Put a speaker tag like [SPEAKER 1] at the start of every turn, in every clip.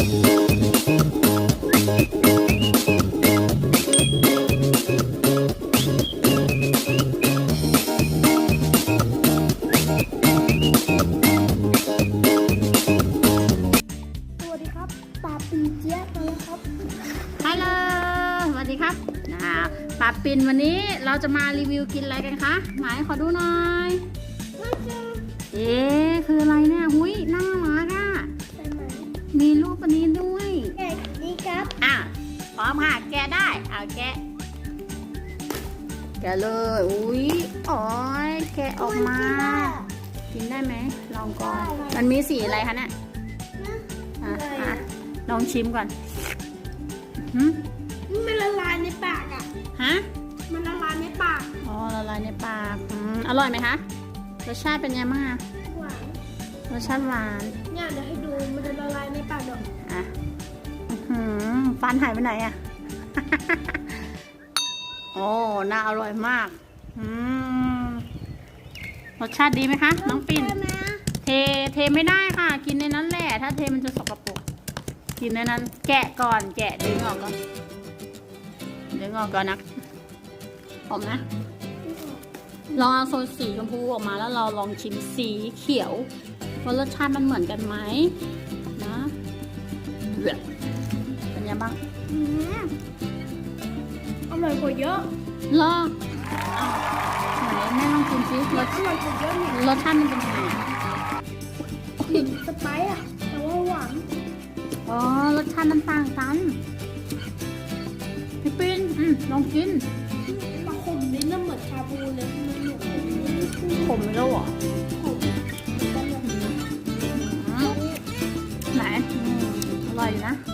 [SPEAKER 1] ปาปินวันนี้เราจะมารีวิวกินอะไรกันคะไหนขอดูหน่อยคืออะไรเนี่ยหุยน่ารักอ่ะมีรูปอันนี้ด้วย
[SPEAKER 2] แกะดีครับ
[SPEAKER 1] พร้อมค่ะแกะได้แกะเลยอุ้ยอ๋อยแกะออกมากินได้ไหมลองก่อนมันมีสีอะไรคะเนี่ยลองชิมก่อน
[SPEAKER 2] มันละลายในปาก
[SPEAKER 1] ฮะ
[SPEAKER 2] มันละลายในปาก
[SPEAKER 1] ละลายในปากอร่อยไหมคะรสชาติเป็นไงบ้าง
[SPEAKER 2] หวาน
[SPEAKER 1] รสชาติหวาน
[SPEAKER 2] เนี่ยเดี๋ยวให้ดูมันจะละลายในปากดอก
[SPEAKER 1] ฟันหายไปไหนโอ้น่าอร่อยมากรสชาติดีไหมคะน้องปิ่นเทไม่ได้ค่ะกินในนั้นแหละถ้าเทมันจะสกปรกกินในนั้นแกะก่อนแกะดึงออกก่อนนะหอมนะลองเอาโซนสีชมพูออกมาแล้วเราลองชิมสีเขียวว่ารสชาติมันเหมือนกันไหมนะเป็นยังบ้าง
[SPEAKER 2] อร่อยกว่าเยอะ
[SPEAKER 1] ลองไหนแม่ลองชิมซิ
[SPEAKER 2] อร่อยกว่าเยอะ
[SPEAKER 1] รสชาติมันเป็นยังไง
[SPEAKER 2] กลิ่นสไปซ์แต่ว่าหวาน
[SPEAKER 1] รสชาติมันต่างกันพี่ปิ้นลองกิน
[SPEAKER 2] มาขมนิดนึงเหมือนชาบูเลย
[SPEAKER 1] ขมไม่รู้หรอไหนอร่อยอยู่นะ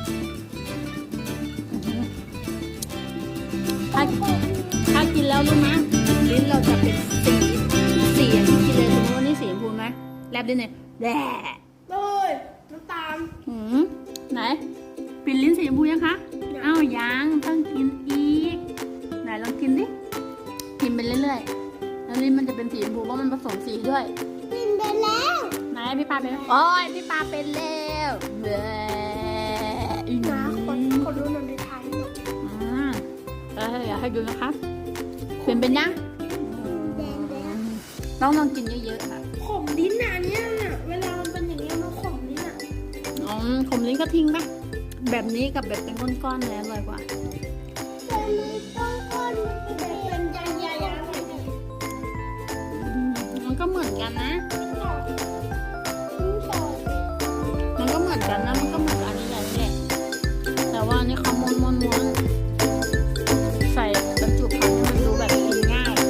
[SPEAKER 1] ถ้ากินแล้วรู้ไหมลิ้นเราจะเป็นสีอย่างที่กินเลยสมมติว่านี่สีชมพูไหมแลบดิเนี่ยแด่
[SPEAKER 2] เลยน้ำตาล
[SPEAKER 1] ไหนปิดลิ้นสีชมพูยังคะยังต้องกินอีกไหนลองกินดิกินไปเรื่อยๆแล้วลิ้นมันจะเป็นสีชมพูเพราะมันผสมสีด้วย
[SPEAKER 2] กินไปแล้ว
[SPEAKER 1] ไหนพี่ปาเป็นโอ้ยพี่ปาเป็นแล้ว
[SPEAKER 2] คนดูหนังในไทย
[SPEAKER 1] อยากให้ดูนะคะเป็นยังต้องลองกินเยอะๆค่ะ
[SPEAKER 2] ขมลิ้นอันนี้เวลามันเป็นอย่างนี้มันขมลิ้น
[SPEAKER 1] ขมลิ้นก็ทิ้งไปแบบนี้กับแบบเป็นก้อนๆเลยอร่อยกว่า
[SPEAKER 2] เป็นใหญ่ๆ
[SPEAKER 1] มันก็เหมือนกันนะมันก็เหมือนกันนะมันก็เหมือนอันนี้แหละแต่ว่านี่เขาม้วนใส่บรรจุภัณฑ์มันดูแบบกินง่าย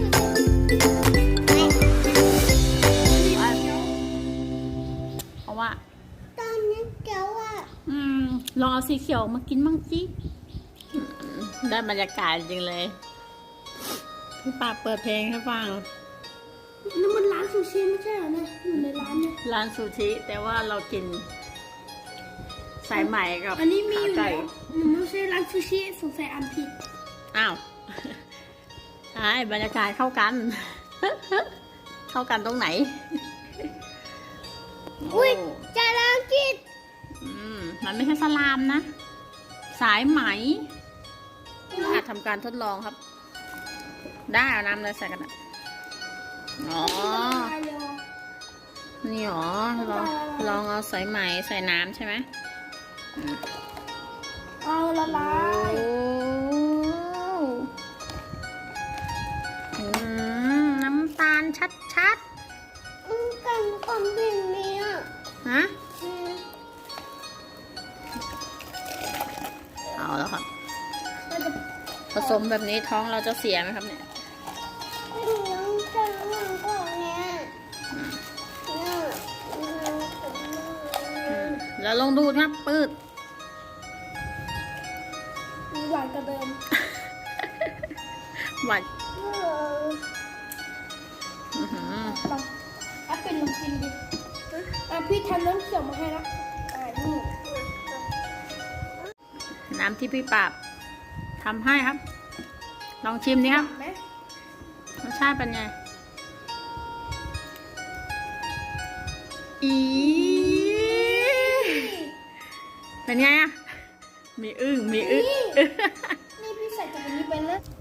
[SPEAKER 1] เพราะว่า
[SPEAKER 2] ตอนนี้เกี๊ยว
[SPEAKER 1] ลองเอาสีเขียวมากินบ้างสิได้บรรยากาศจริงเลยพี่ปาเปิดเพลงให้ฟัง
[SPEAKER 2] นั่นมันร้านซูชิไม่ใช่เหรอเนี่ยอยู่ในร้านเนี่ย
[SPEAKER 1] ร้านซูชิแต่ว่าเรากินสายไหมกับ
[SPEAKER 2] อันนี้มีอยู่แล้วไม่ใช่ร้านซูชิสงสัยอันผิด
[SPEAKER 1] ใช่บรรยากาศเข้ากันตรงไหน
[SPEAKER 2] อุ้ยจะลองกิน
[SPEAKER 1] มันไม่ใช่สลามนะสายไหมทำการทดลองครับได้เอาน้ำเลยใส่กันนี่หรอลองเอาสายไหมใส่น้ำใช่ไหม
[SPEAKER 2] ละลาย
[SPEAKER 1] น้ำตาลชัด
[SPEAKER 2] กันความดิ่งนี้
[SPEAKER 1] เอาแล้วครับผสมแบบนี้ท้องเราจะเสียไหมครับเนี่ยแล้วลองดูครับปืด
[SPEAKER 2] หวานกระเดิม
[SPEAKER 1] หวาน
[SPEAKER 2] เป็นลองกินดิพี่ทำน้ำเขียวมาให้แล้ว
[SPEAKER 1] น้ำที่พี่ปราบทำให้ครับลองชิมดิครับรสชาติเป็นไงเป็นไงอะมีอึ้งมีอึ้ง
[SPEAKER 2] นี่พี่ใส่จากอันนี้ไปแล้ว